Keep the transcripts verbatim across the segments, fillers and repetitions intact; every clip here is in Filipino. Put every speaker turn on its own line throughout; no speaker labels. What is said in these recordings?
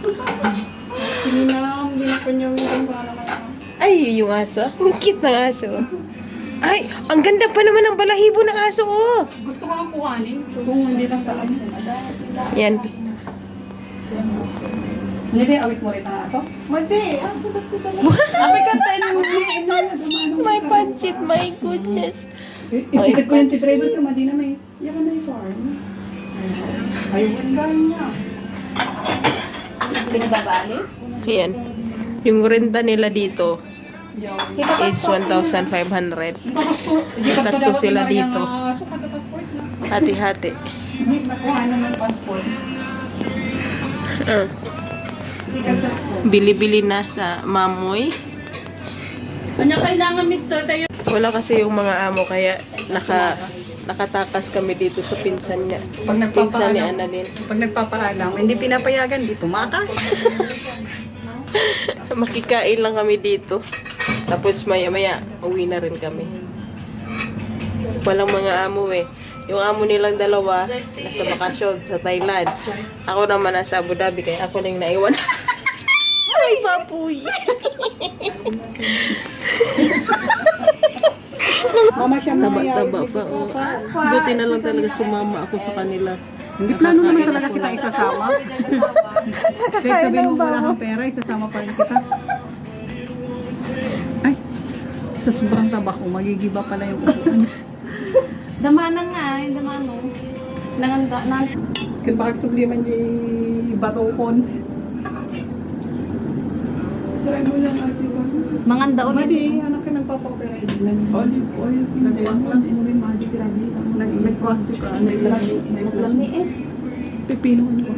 Kininam, ginapanyawin ko naman ako.
Ay, yung aso. Ang cute ng aso. Ay, ang ganda pa naman ng balahibo ng aso, oh.
Gusto ko ang kuhanin. Kung hindi lang sa absent.
Yan.
Hindi, awit mo rin ang aso?
Madi, ang sagot ko talaga.
Apoy kanta mo.
My pancit, my goodness.
Itikit ko yung driver ka, madi na may.
Yan na yung farm.
Ayun, ang gano'n niya. Pinababali?
Yan. Yung renta nila dito
Yo.
is one thousand five hundred. Tatlo sila dito. Hati-hati.
Hindi, nakuha naman passport.
Uh, Bili-bili na sa mamoy.
Kanya kailangan mito tayo.
Wala kasi yung mga amo kaya naka nakatakas kami dito sa pinsan niya.
Pag
Pinsan ni
nagpapaalam,
Annalyn.
pag nagpapaalam, hindi pinapayagan dito, matas.
Makikain lang kami dito. Tapos maya-maya, uwi na rin kami. Walang mga amo eh. Yung amo nilang dalawa, nasa bakasyon sa Thailand. Ako naman nasa Abu Dhabi, kaya ako lang naiwan. Ay, baboy!
Mama siya
Taba-taba pa. Oh. Buti na lang talaga sumama ako sa kanila.
Hindi plano naman talaga kita isasama. Kahit sabihin mo wala kang pera, isasama pa rin kita. Ay, sa sobrang taba ko, magigiba pala yung upuan.
Damana nga, yung damano. Nanganda, nang...
Kaya bakit subliman di batokon?
Try mo lang ate ko.
Manganda ulit.
Madi, anak ka nagpapakopera.
Olive oil. Hindi mo lang mo rin madi grabe.
Nag-quanti ka.
Naglami is.
Pipinuhan ko.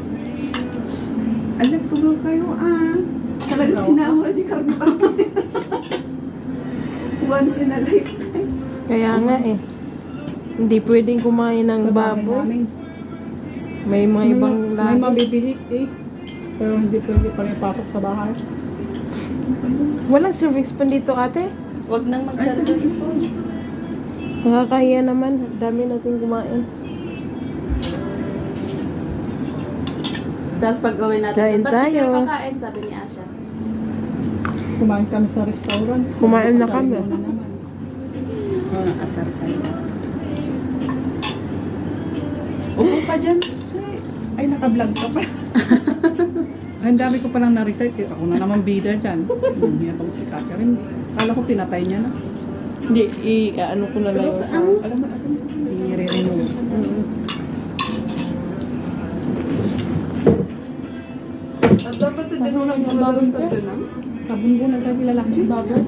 Alam ko ba kayo ah. Talaga sinama di karne pa. Once in a lifetime.
Kaya nga eh. Hindi pwedeng kumain ng baboy. May mga ibang
May
lahi.
mabibili eh. Pero hindi pwede pa rin pasok sa bahay.
Walang service pa dito, ate.
Huwag nang
Ay, sa
mag-service.
ko.
Nakakahiya naman. Dami natin kumain.
Tapos pag gawin natin,
Kain
"Ba't di
tayo."
kayo kakain?" Sabi ni Asha.
Kumain kami sa restaurant.
Kumain na
Sabi
kami.
mo na naman.
Oo, nakasar tayo.
Upo ka dyan. Ay, ay naka-vlog ka pa.
Ay, ang dami ko palang na-recite. Ako na naman bida dyan. Hindi itong si Catherine. Kala ko pinatay niya na.
Hindi, i-ano ko na lang yung sound.
Alam mo, alam mo.
I-re-remove.
At dapat hindi mo lang yung baboy sa tunang.
Sabon ko na tayo lalaki ng baboy.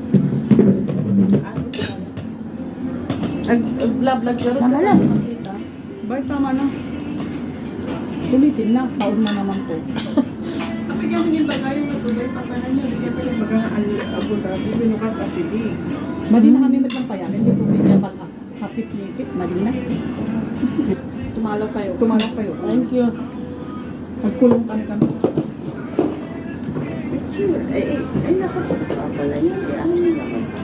Ag-vlog-vlog ka rin.
Tama lang.
Bakit tama na? Sulitin na. Taon na naman ko.
Kapag yung yung bagay yung matubay pa pala niya, hindi pa yung bagang Abu Dhabi, binukas sa Sidi.
Madi na kami magpampayan. Hindi tubig niya pag hapit-nipit. Madi na.
Sumalaw kayo.
Tumalak kayo.
Thank you.
Magkulong kami kami.
Picture. Ay, ay, ay, nakapagpa pala niya. Ay, ano yung nakapagpa?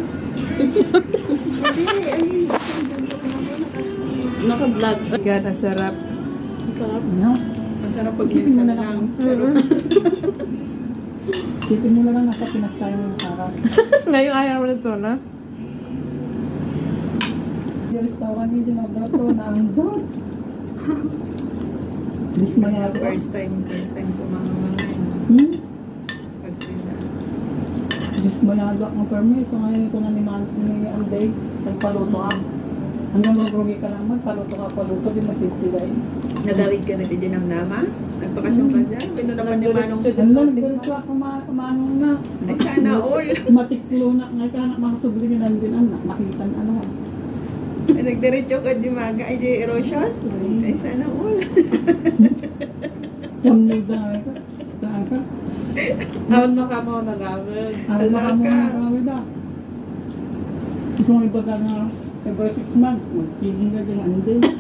Hindi, ay,
Naka-vlog.
God, ang sarap.
Sarap.
No?
masarap pag
Isipin mo
minsan
na lang.
lang. Pero,
Isipin mo na lang nasa Pinas tayo ng harap.
Ngayon ayaw mo na ito, na?
Yung restaurant hindi na dato na ang dot. Bis maya ako.
first time, first time ko mga mga
Hmm?
pag sila.
Bis maya ako ang permit. So ngayon ko na ni Man ni Anday. Nagpaluto ako. Hanggang magrugi ka naman, paluto ka, paluto, di masid sila eh.
Nagawid kami di dyan ng Nama. Nagpakasyon ka dyan. Pinunapan ni Manong.
Alam, ganito ako kumanong na.
Ay, sana all.
Matiklo na nga ka na makasublingan din anak. Makita na ano.
Ay, nagdiretso ka di maga. Ay, di erosion. Ay, sana all.
Kamuda ka. Saan ka?
Awan mo ka mo nag-awin.
Aral na ka mo na kami da. Ito ang iba ka nga. Every six months, magpiging ka din ang day.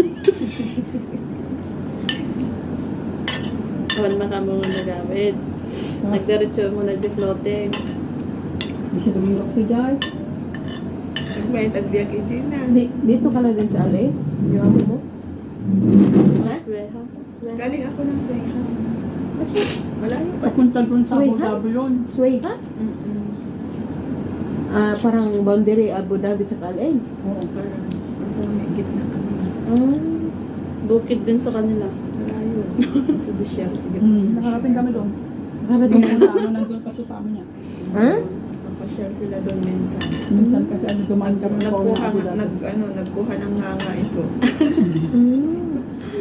Awan mo ka mo nag-awin. Nagdiretso mo nag-floating.
Di siya dumingok sa Jai.
Nagbayad at biyak ijina.
Di, dito ka na din sa Ali? Yung amo mo?
Ha?
Galing ako ng Swayha. Malayo pa.
Papunta dun sa
Uy,
Abu
ha?
Dhabi yun.
Sway, ha?
Mm-mm.
Ah, parang boundary Abu Dhabi sa Al-Ain.
Oo.
Parang nasa may gitna kami.
Ah,
Bukid din sa kanila.
Malayo. Nasa desierto.
Hmm, nakarating kami doon.
nakarating
Nung
na.
ano, nandun pa siya sa amin niya.
Ha?
Napasyal sila doon minsan.
Minsan kasi ano, dumaan kami sa
Nagkuha,
Abu Dhabi.
nag, ano, nagkuha ng nganga ito.
Mm.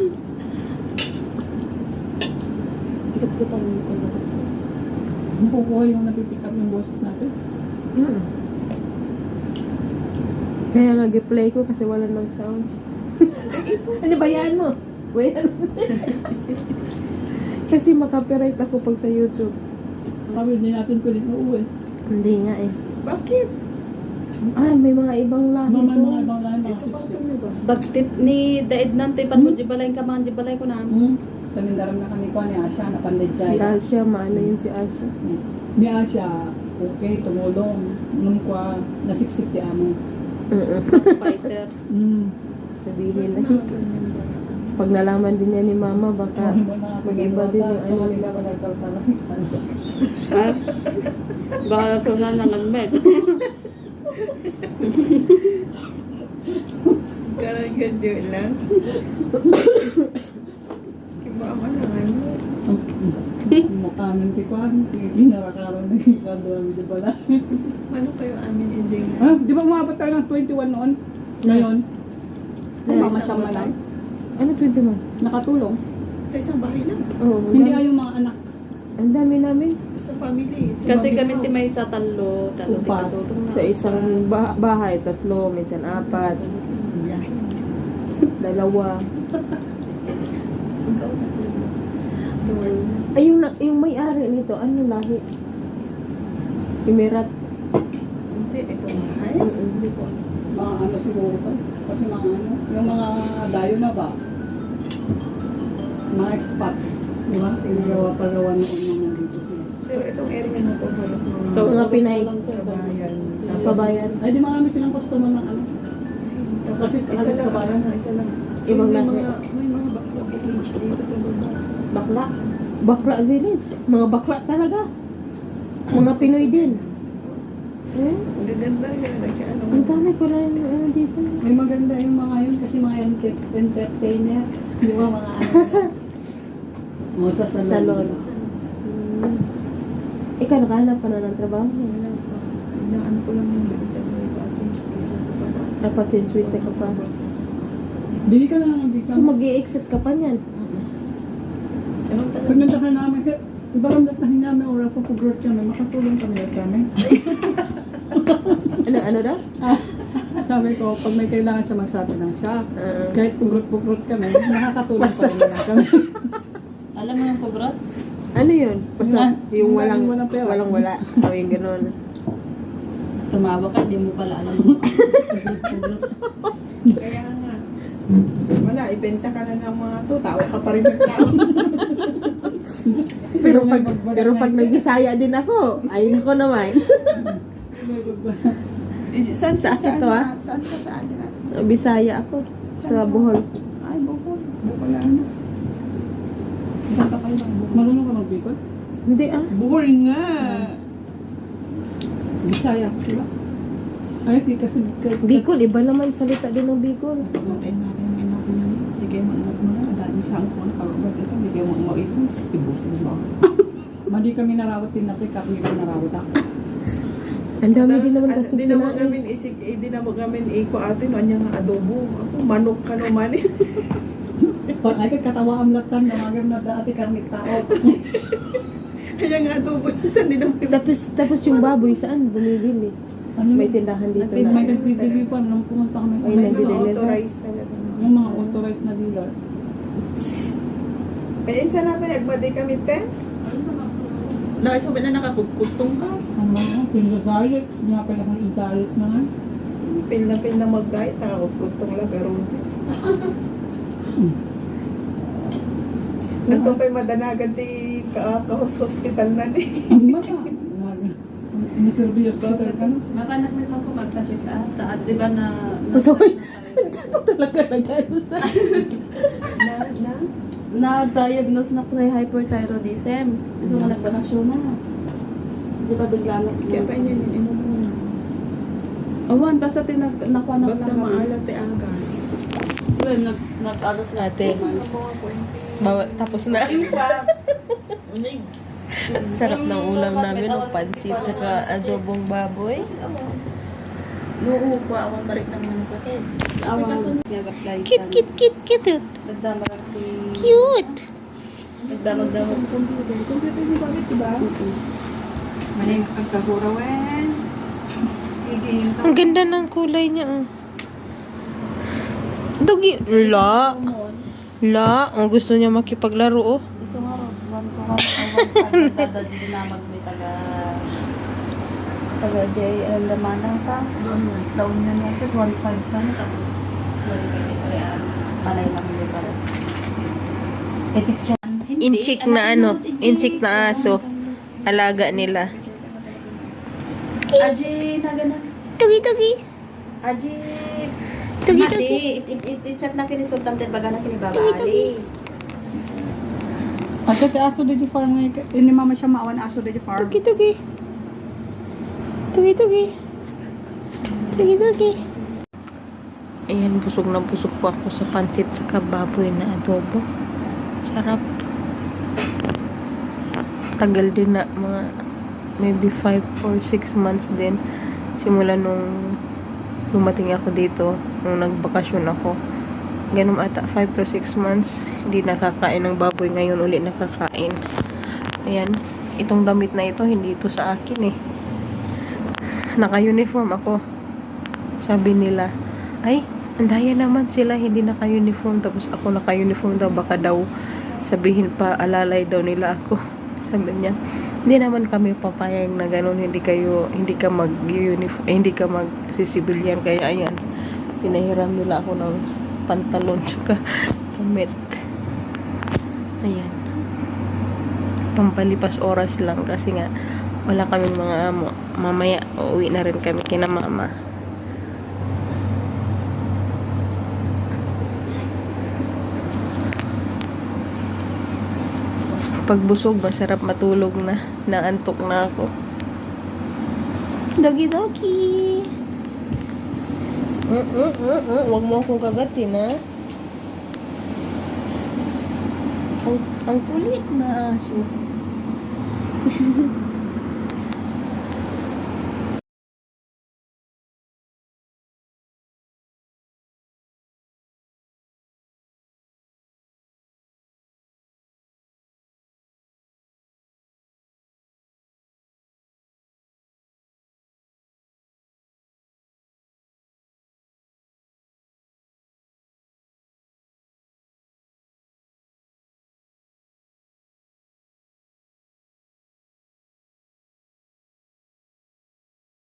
Ikot-ikutan mo ko na kasi.
Nakukuha yung napipick up yung boses natin.
Mm. Kaya nga gi-play ko kasi wala ng sounds. Ano ba yan mo? Wait. Kasi makapiright ako pag sa YouTube.
Kami din natin pwede uuwi.
Hindi nga eh.
Bakit?
Ah, may mga ibang lahi
Mga
po.
mga ibang lahi,
Eh,
mga
sa
six.
bakit mo ba?
Bagtit ni Daed nanto ipan mo jibalay ka man jibalay ko na.
Hmm. Sa Mindaram na kami ko ni Asya, napandid
Si
siya.
Asya, maano yun si Asya.
Ni Asya, okay, tumulong. Nung kwa, nasipsip ti amo.
Mm
Fighters.
Hmm.
Sabihin na. Pag nalaman din niya ni Mama, baka mag-iba din yung ano.
Ha? Baka sunan ng almet.
Karang gadyo lang. Kiba ka lang ano.
Amin ti Kwan, ginarakaroon na yung kandungan di pala.
Ano kayo amin ending na?
Ah, di ba umabot tayo ng twenty-one noon? Ngayon? Ay,
Sa
mama
isang
siya
bahay?
malay.
Ano, twenty-one?
Nakatulong.
Sa isang bahay lang.
Oo.
Hindi ay yung mga anak.
Ang dami namin.
Sa family. Sa
Kasi
family
kami
house.
ti may sa talo, talo ti
Upat.
katulong na.
Sa isang ba- bahay, tatlo, minsan apat,
Biyahe.
dalawa.
Ikaw na.
Ay, yung, na- yung may-ari nito, ano lahi? Emirat.
Hindi, itong bahay.
Mm-mm.
Hindi po.
Mga ano siguro pa. Kasi mga ano, yung mga dayo na ba? Mga expats. Di ba? Sinagawa pagawa noon nung nandito sila.
Pero itong area na to, halos mga
Ito, mga Pinay.
kabayan.
Pabayan.
Ay, di marami silang customer ng ano. Kasi
Isa
halos
lang,
kabayan.
ano, isa lang.
Ibang
may
lahi.
mga, may mga bakla village dito sa baba.
Bakla. Bakla village. Mga bakla talaga. Mga Pinoy din. Eh?
Ang gaganda yun. Like, ano,
Ang dami pala yung ano dito.
May maganda yung mga yun kasi mga enter- entertainer. Di ba mga ano? Mga sa salon.
Salon. Hmm. Ikaw, nakahanap ka na ng trabaho?
wala pa. Inaan ko lang yung isa mo yung change visa ko para.
Dapat since visa ka pa.
Bili ka na lang, bili ka.
So, mag-i-exit ka pa niyan.
Ewan talaga.
Pag nandakan namin, kaya iba lang datahin namin oras po pag-growth kami, makatulong kami ulit kami.
Ano, ano daw?
Ah, sabi ko, pag may kailangan siya, magsabi lang siya.
Uh,
Kahit pugrot-pugrot kami, nakakatulong pa rin na kami.
Alam mo yung pogrot?
ano yun? Basta
Yung-
yung
yung
walang,
walang pera.
walang wala. O yung ganun.
Tumawa ka, di mo pala alam mo.
Kaya nga. Wala, ibenta ka na ng mga to. Tawa ka pa rin ng tao.
Pero pag, pero pag nag-Bisaya din ako, ay nako naman.
Eh, Saan
Sa
ka?
akin to, ah?
Saan ka sa atin? ah?
Bisaya ako. Sa Bohol.
Ay, Bohol. Bohol ano? Bata kayo ng Bohol.
Marunong ka mag-bicol?
Hindi ah.
Bohol nga.
Bisaya, di ba? Ay, di kasi...
Bicol, iba naman salita din ng Bicol.
Pagnatin natin yung ina ko naman. Bigay mo ang mga. Dahil sa ang kung nakababag ito. Bigay mo ang mauipos. Ibusin mo.
Madi kami narawat din na pick up, hindi kami narawat ako.
Ang dami din naman kasi
Di na mo
sinain.
gamin isig, eh, di na mo gamin iko atin, ano nga adobo. Ako, manok ka naman eh.
Pag ay katawa ang latan, namagam na dati karnit tao.
Kaya nga adobo, saan di na mo
Tapos, tapos yung baboy, saan bumibili?
Ano
May tindahan dito
May
na.
nag-T V pa nung pumunta kami.
Ay,
May
May
mga
nag-deliver.
authorized talaga.
yung mga authorized na dealer.
Kaya insa na pa, nagmadi kami ten? Nakasabi na nakakutkutong ka.
Ang mga pinagalit, nga pala kung igalit na nga.
Pil na pil na mag-guide, nakakutkutong lang, pero hindi. Nandun pa'y madanagan di ka hospital na ni.
Ang mga, niserviyos ka ka no?
Mapanak na lang ko magpa-check up. Taat, di ba na...
Pasaway. Ito talaga nag-ano sa...
Na, na?
na-diagnose na pre-hyperthyroidism. Gusto mo nagbanasyon na. Di ba bigla na?
Kaya pa niya din ino muna.
Awan, basta tinag nakuha na
Ba't na maalat eh ang gas?
Well, nag nag-ados na
Ate. Bawa, tapos na. Sarap ng ulam namin, ng pansit, saka adobong baboy.
Noo ko awan balik ng mga sakit.
Awan, nag-apply.
Kit, kit, kit, kit.
Nagdamag
Cute.
Nagdamag-damag.
Computer. Computer ni bakit diba?
Maning pagkahurawan. Higin.
Ang ganda ng kulay niya. Oh. Dugi. La. La. Ang gusto niya makipaglaro. Oh.
Gusto nga ro. One to one. Awan, dadad din namag may taga taga J. Alam naman lang sa daon niya niya. one five ka na tapos wala ka di pare. Panay lang hindi pare. Etik siya.
Inchik na ano. Inchik na aso. Alaga nila.
Aji, na ganun.
Tugi, tugi.
Aji.
Tugi,
Adi,
tugi.
it-check na kinisultante baga na kinibabaali.
At ito aso di di farm ngayon. Ini mama siya maawan aso di di farm.
Tugi, tugi. Tugi, tugi. Tugi, tugi. Ayan, busog na busog po ako sa pansit sa baboy na adobo. Sarap. Tagal din na, mga maybe five or six months din. Simula nung dumating ako dito, nung nagbakasyon ako. Ganun ata, five to six months, hindi nakakain ng baboy. Ngayon ulit nakakain. Ayan, itong damit na ito, hindi ito sa akin eh. Naka-uniform ako. Sabi nila, ay, andaya naman sila, hindi naka-uniform. Tapos ako naka-uniform daw, baka daw sabihin pa, alalay daw nila ako. Sabi niya, hindi naman kami papayag na ganun, hindi kayo, hindi ka mag-uniform, eh, hindi ka mag-civilian. Kaya ayan, pinahiram nila ako ng pantalon tsaka damit. Ayan. Pampalipas oras lang kasi nga wala kaming mga amo. Mamaya uuwi na rin kami kina mama. Pag busog, masarap matulog na. Naantok na ako. Doggy doggy. Mm -mm -mm -mm. Huwag mo akong kagatin, ha? Ang, ang kulit na aso.